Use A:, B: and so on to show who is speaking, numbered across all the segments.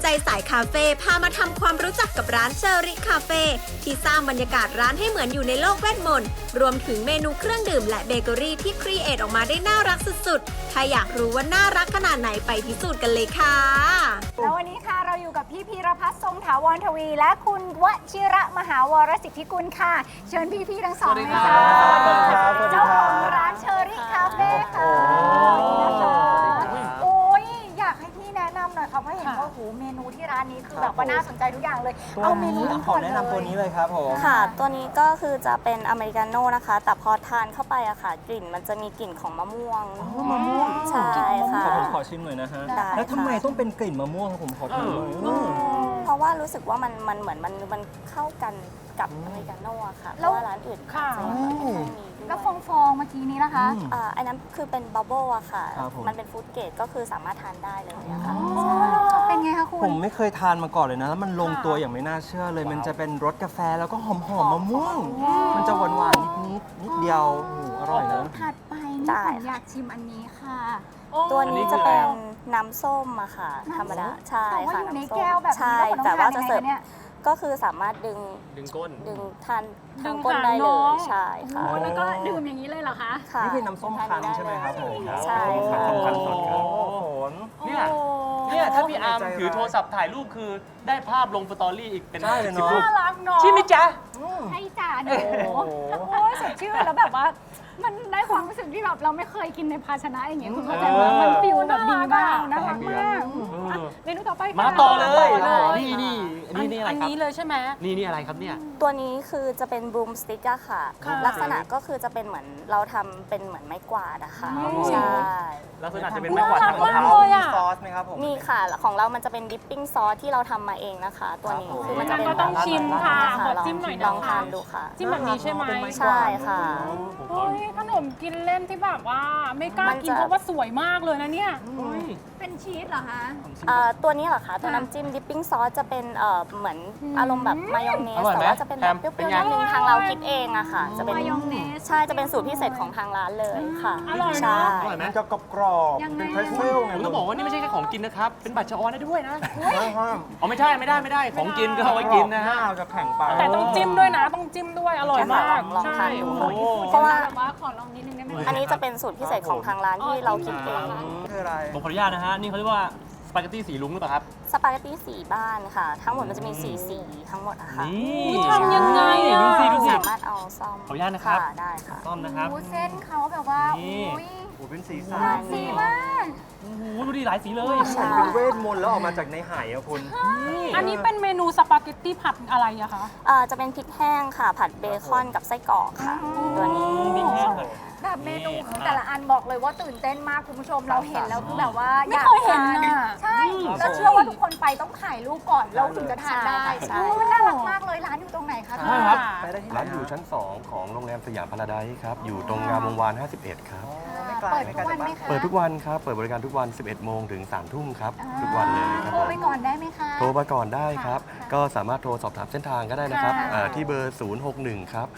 A: สายคาเฟ่พามาทำความรู้จักกับร้านเชอริคาเฟ่ที่สร้างบรรยากาศร้านให้เหมือนอยู่ในโลกเวทมนต์รวมถึงเมนูเครื่องดื่มและเบเกอรี่ที่ครีเอทออกมาได้น่ารักสุดๆถ้าอยากรู้ว่าน่ารักขนาดไหนไปพิสูจน์กันเลยค่ะ
B: แล้ววันนี้ค่ะเราอยู่กับพี่พีรพัฒน์ทรงถาวรทวี และคุณวชิระมหาวรสิทธิกุลค่ะเชิญพี่ๆทั้งสองเลยค่ะเจ้าของร้านเชอริคาเฟ่ค่ะนะคะโอ้ยอยากให้พี่แนะนำหน่อยค่ะเพราะเห็นว่าโอ้โหเมนูที่ร้านนี้คือแบบว่าน่าสนใจทุกอย่างเลยเอาเมนูนี้ก่อนเลย
C: แนะนำตัวนี้เลยครับผม
D: ค่ะ ตัวนี้ก็คือจะเป็นอเมริกาโน่นะคะ แต่พอทานเข้าไปอะค่ะ กลิ่นมันจะมีกลิ่นของมะม่วง
C: มะม่วง
D: ใช่ค่ะ
C: ผมขอชิมหน่อยนะฮะ
D: ได้
C: แล้วทำไม
D: ค่ะ
C: ต้องเป็นกลิ่นมะม่วงครับผมขอชิมหน่อย
D: เพราะว่ารู้สึกว่ามันเหมือนมันเข้ากันกับอเมริกาโน่อะค่ะ เพราะว่าร้านอื่นจะแบบไม่ค่อยมีด้วย
B: แล้วฟองเมื่อกี้นี้นะคะ
D: อันนั้นคือเป็นบับเบิ้ลอะค่ะ
C: ครับผม
D: มันเป็นฟู้ดเกรดก็คือสามารถทานได้เลยอะค่ะ
B: เป็นไงคะคุณ
C: ผมไม่เคยทานมาก่อนเลยนะ แล้วมันลงตัวอย่างไม่น่าเชื่อเลย มันจะเป็นรสกาแฟแล้วก็หอมมะม่วง มันจะหวานๆนิดเดียวโอ้โหอร่อยนะ
B: ถัดไปนี่
D: ได้
B: ผมอยากชิมอันนี้ค่ะ
D: ตัวนี้จะเป็นน้ำส้มอะค่ะ ธรรมดา ใช่
B: แต่ว่า
D: ค่ะ
B: อยู่ใน
D: น้ำส้ม
B: แก้วแบบนี้
D: ใช่
B: แล้ว
D: แต่
B: เรา
D: ว่า
B: ต้อง
D: จะ
B: ทาน
D: เสิร์ฟ
B: ยังไงคะเนี่ย
D: ก็คือสามารถดึง
E: ก้น
D: ทานทางก้นได้เลย ใช่ค่ะ
C: อ๋อ
B: แล้วก็ดื่มอย่างนี้เลยเหรอคะ
D: ค่ะ
C: นี่คือน้ำส้มคั้นใช่ไหมครับผม
D: ใช่ค่ะ
C: น้ำส้มคั้นสดครับโอ้โห
E: เนี่ยถ้าพี่อาร์มถือโทรศัพท์ถ่ายรูปคือได้ภาพลงสตอรี่อีกเป็น
C: ใช่เลย
E: สิบ
C: เนาะ
E: รูป
B: น่ารักเนาะ
E: ใช่ไหมจ๊ะ
B: ให้จ่าหนู
C: โอ้โห
B: โอ้ยสดชื่นแล้วแบบว่า มันได้ความรู้สึกที่แบบเราไม่เคยกินในภาชนะอย่างเงี้ยคุณเข้าใจไหมมันฟิลแบบดีมากน่ารักมากอ่ะเมนูต่อไปค่ะ
E: มาต่อเลย
B: มาต่อ
E: นี่อะไร
F: อัน
E: ครับ
F: นี้เลยใช่ไหม
E: นี่อะไรครับเนี่ย
D: ตัวนี้คือจะเป็นบลูมสติ๊กอะค่ะ
F: ค่ะ
D: ลักษณะก็คือจะเป็นเหมือนเราทำเป็นเหมือนไม้กวาดอะค่ะ
C: ครับผม
D: ใช่
E: ลักษณะจะเป็นไม้กวาดทางมะพ
F: น่า
E: ร้า
F: รัก
E: ว
F: เลยอะ
C: มีซอสไหมครับผม
D: มีค่ะของเรามันจะเป็นดิปปิ้งซอสที่เราทำมาเองนะคะ ตัวนี้
C: ครับผม
D: คือมันจะเป็น
F: ก็ต้องชิมค่ะ
D: ล
F: ขอจิ้มหน่อย
D: ล
F: นะ
D: อง
F: คะ
D: ทานดูค่ะ
F: จิ้มแบบนี้ใช่ไหม
D: ใช่ค่ะ
F: โอ้ยขนมกินเล่นที่แบบว่าไม่กล้ากิน
D: มันจะ
F: เพราะว่าสวยมากเลยนะเนี่ย
B: เป็นชีสเหรอคะ
D: ตัวนี้เหรอคะตัวน้ำจิ้มดิปปิ้งซอสจะเป็นเหมือนอารมณ์แบบมายองเนส
E: อร่อยไหม
D: แต่ว่าจะเป็นแบบเป
E: เป็น
D: รี้ยว
E: ไง
D: ๆนิดนึงทางเราคิดเองอะค่ะ จะเป็น
B: มายองเนส
D: ใช่จะเป็นสูตรพิเศษของทางร้านเลยค่ะ
F: อร่อยนะ
D: ใช่
E: อร่อยไหม
C: มันจะกรอบๆ
B: ยังไง
C: เป็นเพรสเซลไง
E: ผมต้องบอกว่านี่ไม่ใช่แค่ของกินนะครับ เป็นบัตรชออนได้ด้วยนะ
C: ห้าม
E: อ๋อไม่ได้ของกินก็เอาไว้กินนะฮะ
C: เราจะแข็งไป
F: แต่ต้องจิ้มด้วยนะ ต้องจิ้มด้วย อร่อยมาก
D: ลองทานดู
E: โอ้โห
D: เพราะว่า
B: แบบว่าขอลองนิดนึงได้ไหม
D: อันนี้จะเป็นสูตรพิเศษของทางร้านที่เราคิดเอง
C: คืออะไร
E: ผมขออนุญาตนะฮะ นี่เขาเรียกว่าสปาเกตตี้สีลุงหรือเปล่าครับ
D: สปาเกตตี้สีบ้านค่ะ ทั้งหมดมันจะมีสีทั้งหมดอะค่ะ
E: นี่
F: ทำยังไงอะ
E: ดูสิดูสิ
D: สามารถเอาซ่อม
E: ขออนุญาตนะครับ
D: ได้ค่ะ
E: ต้อมนะครับ
B: โอ้เส้นเขาแบบว่า
E: นี่
B: อุ้ย
C: โอ้เป็นสี
D: ป
C: สั
D: ระมาณ
B: สี
D: นี้
B: มาก
E: โอ้โหดูดิหลายสีเลย
D: ใช่
C: เป็นเวทมนต์แล้วออกมาจากในไหอะคุณ
F: อันนี้เป็นเมนูสปาเกตตี้ผัดอะไรอะคะ
D: จะเป็นพริกแห้งค่ะ ผัดเบคอนกับไส้กรอกค่ะ ตัวนี้
E: พริกแห้งค่ะ
B: แบบเมนูคือแต่ละอันบอกเลยว่าตื่นเต้นมากคุณผู้ชมเราเห็นแล้วคือแบบว่า
F: ไม่เคยเห็น
B: ทา
F: น่ะ
B: ใช่แล้วเชื่อว่าทุกคนไปต้องถ่ายรูปก่อนเราถึงจะทานได้
D: ใช่
B: โอ้มันน่ารักมากเลยร้านอยู่ตรงไหนคะ
E: ใช่ครับ
C: ไปได้ที่ไหน
G: ร้านอยู่ชั้น 2 ของโรงแรมสยามพาราไดซ์ครับ อยู่ตรงงามวงวาน 51 ครับ
C: ไม่ไกล
B: เปิด
C: ไม่
B: ทุ
C: ไกล
B: กวันไหม
C: จาก
B: คะ
G: เปิดทุกวันครับ เปิดบริการทุกวัน 11 โมงถึง 3 ทุ่มครับ ทุกวันเลยครับ
B: โทร
G: ผม
B: ไปก่อนได้ไหมคะ
G: โทรมาก่อนได้ครับ
B: ค่ะ
G: ก็สามารถโทรสอบถามเส้นทางก็ได้นะครับ
B: ค่ะ
G: ที่เบอร์ 061 ครับ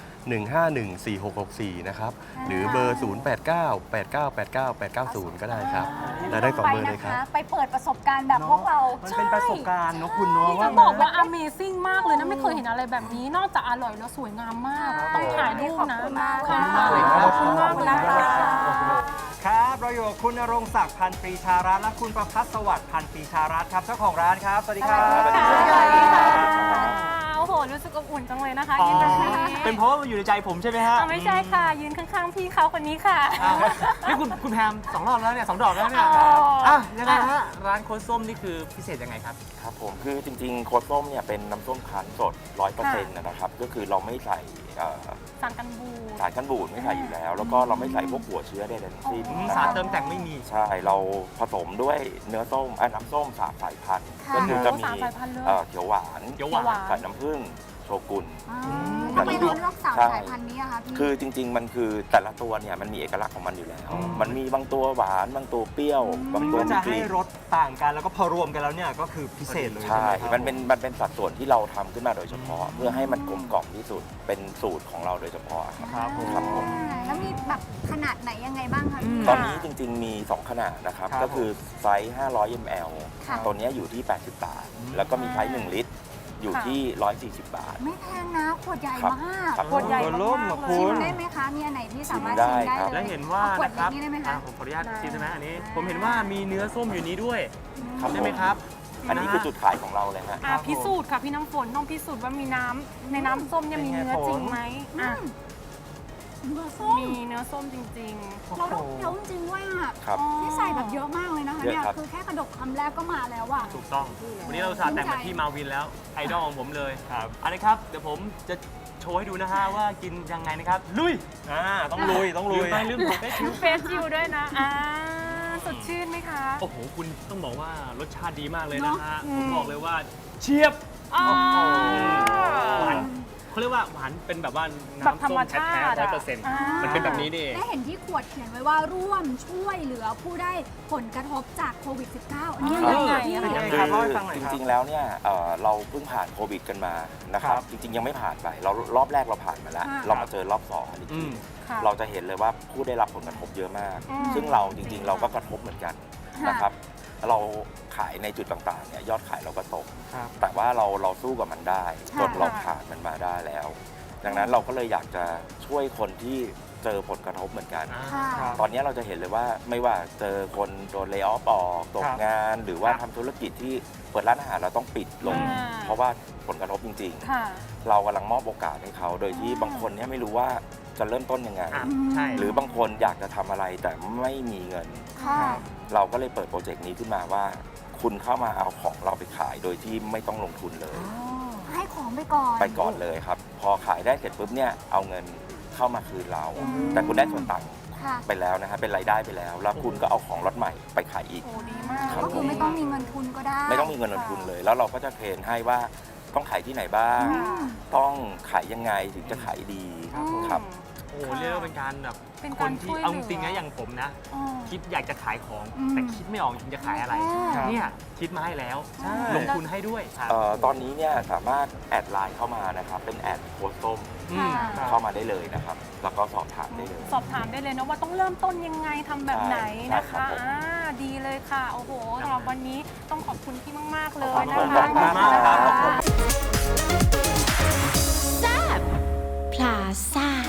G: 1514664 นะครับ หรือเบอร์ 0898989890 ก็ได้ครับและได้2เบอร์เลยครับ
B: ไปเปิดประสบการณ์แบบพวกเรา
C: มันเป็นประสบการณ์เนอะคุณเนาะ
F: จะ
C: ว่า
F: บอกว่า Amazing มากเลยนะ ไม่เคยเห็นอะไรแบบนี้ นอกจากอร่อยแล้วสวยงามมาก ต้องถ่ายรูปนะ
B: ขอบคุณมาก
F: ค่ะ
C: ขอบคุณมาก
F: ขอบคุณมากเลยค่ะ
C: ครับ เราอยู่กับคุณณรงค์ศักดิ์พันธ์ปรีชารัตน์และคุณประภัสสวัสดิ์พันธ์ปรีชารัตน์ครับเจ้าของร้านครับ สวัสดีครับ
B: สวัสดีค่ะ
F: โอ้โห รู้สึกอบอุ่นจังเลยนะคะ
E: อ๋อ
F: ยืนแบบนี้
E: เป็นเพราะว่ามันอยู่ในใจผมใช่ไหมฮะ
F: ไม่ใช่ค่ะ ยืนข้างๆพี่เขาคนนี้ค่ะ
E: อ้าวนี่คุณแพม2 รอบแล้วเนี่ย2 ดอกแล้วเนี่ย
F: อ๋ออ่
E: อ่ะยังไงฮะ ร้านโค้ดส้มนี่คือพิเศษยังไงครับ
H: ครับผมคือจริงๆโค้ดส้มเนี่ยเป็นน้ำส้มคั้นสด 100%นะครับ ก็คือเราไม่ใส่
F: สารกันบูด
H: สารกันบูดไม่ใส่อยู่แล้ว แล้วก็เราไม่ใส่พวกหัวเชื้อใดๆทั้งสิ้นนะ
E: สาร
H: ครับ
E: เติมแต่งไม่มี
H: ใช่เราผสมด้วยเนื้อส้มน้ำส้ม3 สายพันธุ์
B: ค่ะ
H: ก็คือจะมี
F: โอ้3 สายพันธุ์เลย
H: เขียวหวาน
E: เขียวหวาน
H: ใส่น้ำผึ้งชกุน
B: ทำไมเราเลือกสาม
H: ใช่
B: สายพันธุ์นี้อะคะพี่
H: คือจริง ๆ มันคือแต่ละตัวเนี่ยมันมีเอกลักษณ์ของมันอยู่แล้ว มันมีบางตัวหวานบางตัวเปรี้ยวบาง
C: มัน
H: ตัว
C: ก็
H: มี
C: จะ
H: ก
C: ให้
H: ลิ่น
C: รสต่างกันแล้วก็พอรวมกันแล้วเนี่ยก็คือพิเศษเลย
H: ใช่
C: ใช่ไหมครับ
H: มันเป็นสัดส่วนที่เราทำขึ้นมาโดยเฉพาะ เพื่อให้มันกลมกล่อมที่สุดเป็นสูตรของเราโดยเฉพาะครับ
C: ครับผม
H: ครับผม
B: แล้วมีแบบขนาดไหนยังไงบ้างคะพี่
H: ตอนนี้จริง ๆ มี 2 ขนาดนะครับ
C: ครับ
H: ก็คือไซส์500 ml
B: ค่ะ
H: ตัวเนี้ยอยู่ที่ 80 บาท แล้วก็มีไซส์1 ลิตร อยู่ที่ 140 บาท
B: ไม่แพงนะขวดใหญ่
H: ครับ
B: มาก
H: ครับ
F: ขวดใหญ่
C: ตัวล่มอะ
F: มากๆ
C: คุ
B: ชิม
C: ณ
B: ได้ไหมคะ มีอันไหนที่สามารถ
H: ชิ
B: ชิ
H: ม
B: ม
H: ได้
B: ได้
H: ครับ
B: เลย
E: และเห็นว่า
B: อขวด
E: นะครับ
B: เล็กนี่ได้ไหมคะ
E: ผมขออนุญาต
F: ได้
E: ชิมได้ไหมอันนี้ ผมเห็นว่ามีเนื้อส้มอยู่นี้ด้วย
H: ครับ
E: ใช่ไหมครับ
H: อันนี้คือจุดขายของเราเลยฮะ
F: พิสูจน์ค่ะพี่น้ำฝนต้องพิสูจน์ว่ามีน้ำในน้ำส้มเนี่ยมีเนื้อจริงไหมอ่ะ
B: เนื้อส้ม
F: มีเนื้อส้มจริง
B: เราต้องเคี้ยวจริงๆว่า
H: ครับ
B: ที่ใส่แบบเยอะมากเลยนะคะ
H: เยอะ
B: เนี่ย
H: ครับ
B: คือแค่กระดกคำแรกก็มาแล้วอะ
E: ถูกต้อง วันนี้เราสาดแต่งมาที่มาวินแล้ว ไอดอลของผมเลยครับอันนี้ครับ เดี๋ยวผมจะโชว์ให้ดูนะฮะว่ากินยังไงนะครับ ลุย
C: ต้องลุยต้องลุย
E: ลืมผมได้ชิว
F: ๆ เฟสชิลด้วยนะสดชื่นไหมคะ
E: โอ้โห คุณต้องบอกว่ารสชาติดีมากเลยนะฮะ
F: เนอะ
E: ผมบอกเลยว่าเชียบ
F: อ่า
E: หวานเขาเรียกว่าหวานเป็นแบบว่า
F: แบบ
E: น้ำ
F: ธร
E: ส้
F: รม
E: ม
F: ชา
E: แท้
F: ติ
E: ๆ
F: อะ
E: 100%มันเป็นแบบนี้นี่เอง
B: ได้เห็นที่ขวดเขียนไว้ว่าร่วมช่วยเหลือผู้ได้ผลกระทบจากโควิด -19 อันนี้ยังไงอะ
C: เป็นไง
H: คื
C: ครับ
H: อ
C: เล่าให้ฟังหน่อย
H: จ
C: ครับ
H: ริง ๆ แล้วเนี่ยเราเพิ่งผ่านโควิดกันมานะครับ
C: ครับ
H: จริง ๆ ยังไม่ผ่านไปเรารอบแรกเราผ่านมาแล้ว
B: ค่ะ
H: เรามาเจอรอบ2กันอีกที
F: ค่ะ
H: เราจะเห็นเลยว่าผู้ได้รับผลกระทบเยอะมาก
F: อืม
H: ซึ่งเราจริง ๆ เราก็กระทบเหมือนกัน
B: ค่ะ
H: นะครับเราขายในจุดต่างๆเนี่ยยอดขายเราก็ตก
C: ครับ
H: แต่ว่าเราสู้กับมันได้
B: ค่ะ
H: จนเราผ่านมันมาได้แล้ว ดังนั้นเราก็เลยอยากจะช่วยคนที่เจอผลกระทบเหมือนกัน
B: ค่ะ
C: ครับ
H: ตอนนี้เราจะเห็นเลยว่าไม่ว่าเจอคนโดนเล y o อ f ออกตก
C: ครับ
H: งาน หรือว่าทำธุรกิจที่เปิดร้านอาหารเราต้องปิดลง
F: อ่า
H: เพราะว่าผลกระทบจริง
F: ค่ะ
H: ๆ เรากำลังมอบโอกาสให้เขา โดยที่บางคนเนี่ยไม่รู้ว่าจะเริ่มต้นยังไง
E: อ่ะใช่
H: หรือบางคนอยากจะทำอะไรแต่ไม่มีเงิน
B: ค่ะ
H: เราก็เลยเปิดโปรเจกต์นี้ขึ้นมาว่า คุณเข้ามาเอาของเราไปขายโดยที่ไม่ต้องลงทุนเลย
B: ให้ของไปก่อน
H: ไปก่อนเลยครับ พอขายได้เสร็จปุ๊บเนี่ยเอาเงินเข้ามาคืนเรา แต่คุณได้ส่วนต่าง
B: ค่ะ
H: ไปแล้วนะฮะเป็นรายได้ไปแล้ว แล้วคุณก็เอาของล็อตใหม่ไปขายอีก
F: โอ้ดีมาก
H: ครับ
B: ก็คือไม่ต้องมีเงินทุนก็ได้
H: ไม่ต้องมีเงินลงทุนเลย แล้วเราก็จะเทรนให้ว่าต้องขายที่ไหนบ้าง ต้องขายยังไงถึงจะขายดีครับ
E: โอ้โหเรียกว่าเป็นการแบบ
F: เป็น
E: ค
F: การ
E: น
F: ช่
E: ที่
F: วยเหลือ
E: เอาจริงๆนะอย่างผมนะ
F: อ๋อ
E: คิดอยากจะขายของ
B: อืม
E: แต่คิดไม่ออกจริงจะขายอะไร
C: ครับ
E: เนี่ยคิดมาให้แล้ว
C: ใช่
E: ลงทุนให้ด้วยครับ
H: ตอนนี้เนี่ยสามารถแอดไลน์เข้ามานะครับ เป็นแอดโค้ดส้ม
E: อืม
F: ค่ะ
H: เข้ามาได้เลยนะครับ แล้วก็สอบถามได้เลย
F: สอบถามได้เลยนะว่าต้องเริ่มต้นยังไงทำแบบไหนนะ
H: ใช่ครั
F: คะ
H: บผม
F: ดีเลยค่ะ โอ้โหสำหรับวันนี้ต้องขอบคุณพี่มาก ๆ เลย
H: ขอบ
F: นะ
H: คุณ
F: คะ
H: มากครับขอบคุณ
A: พลาซ่า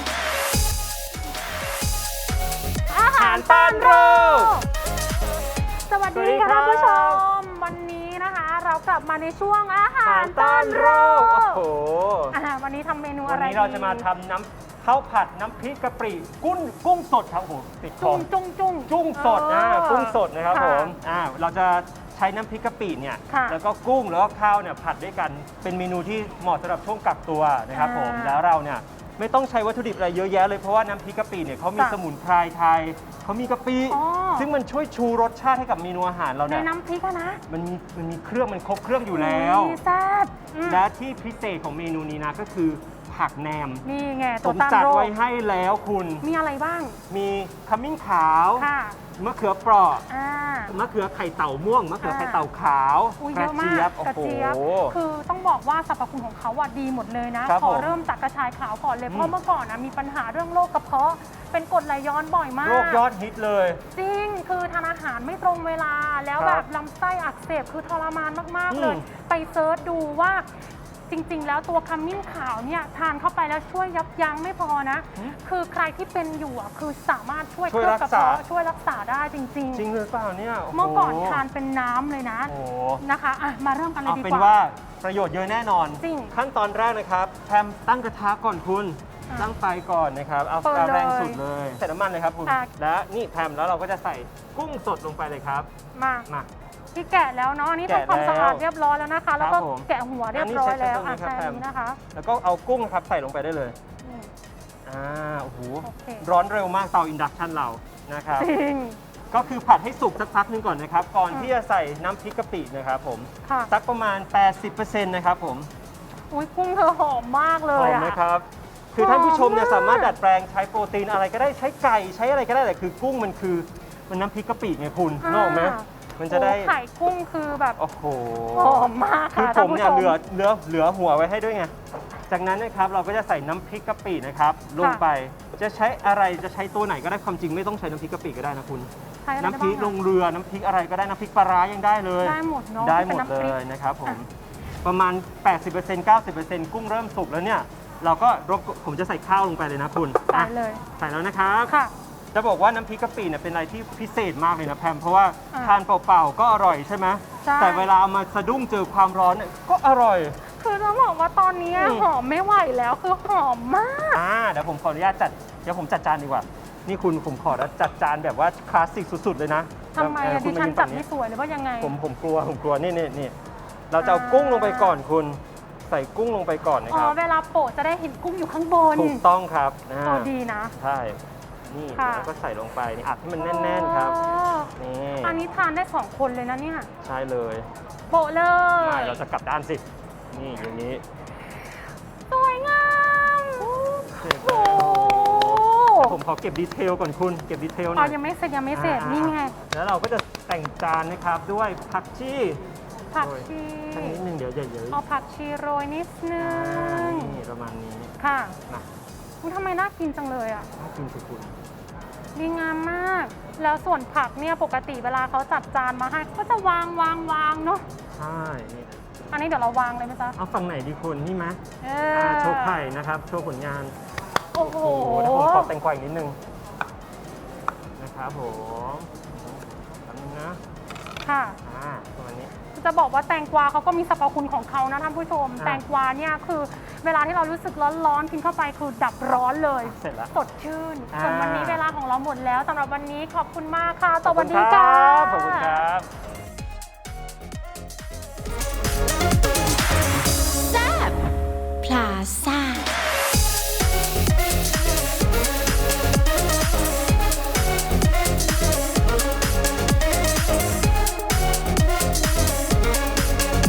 F: อาหารต้อนรับสวัสดีค่ะท่านผู้ชม วันนี้นะคะ เรากลับมาในช่วงอาหารต้อนรับ
C: โอ้โห
F: วันนี้ทำเมนู
C: วั
F: อะ
C: น
F: ไร
C: นี้เราจะมาทำน้ำข้าวผัดน้ำพริกกะปิกุ้งสดครับผมติดคอ
F: จุ้ง
C: กุ้งสดกุ้งสดนะครับ
F: ค่ะ
C: ผมเราจะใช้น้ำพริกกะปิเนี่ย
F: ค่ะ
C: แล้วก็กุ้งแล้วก็ข้าวเนี่ยผัดด้วยกันเป็นเมนูที่เหมาะสำหรับช่วงกักตัวนะครับผม
F: อ่า
C: แล้วเราเนี่ยไม่ต้องใช้วัตถุดิบอะไรเยอะแยะเลยเพราะว่าน้ำพริกกะปิเนี่ยเขามี
F: ค่ะ
C: สมุนไพรไทยเขามีกะปิ
F: อ๋อ
C: ซึ่งมันช่วยชูรสชาติให้กับเมนูอาหารเรา
F: ใน
C: เนี่ย
F: น้ำพริกอะนะ
C: มันมีเครื่องมันครบเครื่องอยู่แล้ว
F: แซ่บอืม
C: และที่พิเศษของเมนูนี้นะก็คือผักแหนม
F: นี่ไง
C: ผ
F: ตัว
C: ม
F: ต้าน
C: จัด
F: โรค
C: ไว้ให้แล้วคุณ
F: มีอะไรบ้าง
C: มีขมิ้นขาว
F: ค่ะ
C: มะเขือเปราะ
F: อ่าม
C: ะเขือไข่เต่าม่วง มะเขือไข่เต่าขาว
F: อุ้ย
C: ก
F: เย
C: ระ
F: อะมา
C: เจี๊ย
F: ก
C: บ โอ้
F: กระ
C: โห
F: เจี๊ยบ คือต้องบอกว่าสรรพคุณของเขาอะดีหมดเลยนะ
C: ครับ
F: ขอ
C: ผม
F: เริ่มจากกระชายขาวก่อนเลย เพราะเมื่อก่อนนะมีปัญหาเรื่องโรคกระเพาะ เป็นกรดไหลย้อนบ่อยมาก
C: โรคยอดฮิตเลย
F: จริง คือทานอาหารไม่ตรงเวลา แล้ว
C: ค
F: แบ
C: รับบ
F: ลำไส้อักเสบ คือทรมานมาก
C: อื
F: ๆ
C: ม
F: เลย ไปเซิร์ชดูว่าจริง ๆ แล้วตัวขมิ้นขาวเนี่ยทานเข้าไปแล้วช่วยยับยั้งไม่พอนะ คือใครที่เป็นอยู่อะคือสามารถช่วยเคลือบกระเพาะช่วยรักษาได้จริง
C: จริงหรือเปล่าเนี่ยโโห
F: ๆ เมื่อก่อนทานเป็นน้ำเลยนะ
C: โอ้โห
F: นะคะอ่ะมาเริ่มกันเลย
C: เอา
F: ดี
C: เป็น
F: กว่า
C: ว่าประโยชน์เยอะแน่นอน
F: จริง
C: ขั้นตอนแรกนะครับแพมตั้งกระทะก่อนคุณ
F: อ่ะ
C: ตั้งไฟก่อนนะครับ เอา
F: เปิด
C: เอาแรง
F: เลย
C: สุดเลย ใส่น้ำมันเลยครับคุณ
F: ค่ะ
C: และนี่แพมแล้วเราก็จะใส่กุ้งสดลงไปเลยครับ
F: มา
C: มา
F: ที่แกะแล้วเนาะอันนี้
C: แกะ
F: ทำความสะอาด
C: แล้ว
F: เรียบร้อยแล้วนะคะ แล้วก็
C: ครับผม
F: แกะหัวเรียบร้อยแล้ว
C: อันนี้ใช้
F: ใช่
C: ตรงนี้ครับ
F: อันนี้นะคะ
C: แล้วก็เอากุ้งครับใส่ลงไปได้เลย
F: นี่
C: โอ้โห
F: โอเค
C: ร้อนเร็วมากเตาอินดักชันเรานะครับ
F: จริง
C: ก็คือผัดให้สุกสักพักหนึงก่อนนะครับ ก่อน
F: อืม
C: ที่จะใส่น้ำพริกกะปินะครับผม
F: ค่ะ
C: สักประมาณ 80%นะครับผม
F: อุ้ยกุ้งเธอหอมมากเล
C: ห
F: ย
C: อมไหม
F: อะ
C: ครับ คือท่านผู้ชมเนี่ย
F: หอมมาก
C: สามารถดัดแปลงใช้โปรตีนอะไรก็ได้ใช้ไก่ใช้อะไรก็ได้แต่คือกุ้งมันคือมันน้ำพริกกะปิไงคุณนึกออกไหมมันจะได้
F: โอ้ไข่กุ้งคือแบบ
C: โอ้โห
F: หอมมาก
C: คือ
F: ค่ะ
C: ผมเนี่ยเหลือหัวไว้ให้ด้วยไง จากนั้นนะครับเราก็จะใส่น้ำพริกกะปินะครับลงไป จะใช้อะไรจะใช้ตัวไหนก็ได้ความจริงไม่ต้องใช้น้ำพริกกะปิก็ได้นะคุณ
F: ใช้อะไร
C: น้ำพริก
F: ได้
C: ล
F: บ้าง
C: งเรือน้ำพริกอะไรก็ได้น้ำพริกปลาร้ายังได้เลย
F: ได้หมดเนาะ
C: ได้หม
F: ป็น
C: ด
F: น้ำ
C: เล
F: พริก
C: ยนะครับผม
F: อ่ะ
C: ประมาณ 80% 90%กุ้งเริ่มสุกแล้วเนี่ย เราก็ผมจะใส่ข้าวลงไปเลยนะคุณ
F: ใส่เลย
C: ใส่แล้วนะครับ
F: ค่ะ
C: จะบอกว่าน้ำพริกกะปิเนี่ยเป็นอะไรที่พิเศษมากเลยนะแพมเพราะว่า
F: อ่า
C: ทานเปล่าๆก็อร่อยใช่ไหม
F: ใช่
C: แต่เวลาเอามาสะดุ้งเจอความร้อนเนี่ยก็อร่อย
F: คือต้องบอกว่าตอนนี้
C: อืม
F: หอมไม่ไหวแล้วคือหอมมาก
C: เดี๋ยวผมขออนุญาตเดี๋ยวผมจัดจานดีกว่า นี่คุณผมขอจัดจานแบบว่าคลาสสิกสุดๆเลยนะ
F: ทำไม
C: เออ
F: อะ
C: คุ
F: ดิ
C: ณ
F: ฉั
C: มาน ยืน
F: จั
C: ฝั่
F: ด
C: ง
F: ไม่
C: นี้
F: สวยหรือว่ายังไง
C: ผมกลัวนี่เราจะเอากุ้งลงไปก่อนคุณ ใส่กุ้งลงไปก่อนนะ
F: อ๋
C: ค
F: อ
C: รับ
F: เวลาโปะจะได้เห็นกุ้งอยู่ข้างบน
C: ถูกต้องครับ
F: ดีนะ
C: ใช่นี่
F: ค่ะ
C: แล้วก็ใส่ลงไปนี่อัดให้มันแน่นๆครับ
F: อ๋อ
C: นี่
F: อันนี้ทานได้2คนเลยนะเนี่ย
C: ใช่เลย
F: โปะเล
C: ไม่
F: ย
C: เราจะกลับด้านสินี่อย่างนี้
F: สวยงาม
C: เสร็จ
F: โอ้
C: แล้วผมขอเก็บดีเทลก่อนคุณเก็บดีเทลหน่
F: อ๋อ
C: อย
F: ยังไม่เสร็จนี่ไง
C: แล้วเราก็จะแต่งจานนะครับด้วยผักชี
F: ผักชี
C: แค่นิดนึงเดี๋ยวเยอะๆ
F: เอาผักชีโรยนิดนึง
C: นี่ประมาณนี้
F: ค่ะ
C: นะ
F: อุ๊ยทำไมน่ากินจังเลยอ่ะ
C: น่ากินสิคุณ
F: ดีงามมาก แล้วส่วนผักเนี่ยปกติเวลาเขาจัดจานมาให้ก็จะวางเนาะ
C: ใช่นี่
F: อันนี้เดี๋ยวเราวางเลยไหมจ๊ะ
C: เอาฝั่งไหนดีคุณนี่ไหม
F: เอ
C: โชว์ไข่นะครับโชว์ผลงาน
F: โอ้โห
C: โอ้โหเดี๋ยวผมขอแต่งกวาอีกนิดนึงนะครับผมแป๊บนึงนะ
F: ค่ะ
C: ประมาณนี้
F: จะบอกว่าแตงกวาเขาก็มีสรรพคุณของเขานะท่านผู้ชม
C: อ่า
F: แตงกวาเนี่ยคือเวลาที่เรารู้สึกร้อนๆกินเข้าไปคือดับร้อนเลย
C: เสร็จแล้ว
F: สดชื่น
C: อ่า
F: ส่วนวันนี้เวลาของเราหมดแล้วสำหรับวันนี้ขอบคุณมากค่ะส
C: ขอบ
F: วั
C: คุ
F: ส
C: ณ
F: ดี
C: ค
F: ค่ะ
C: รับขอบคุณครับ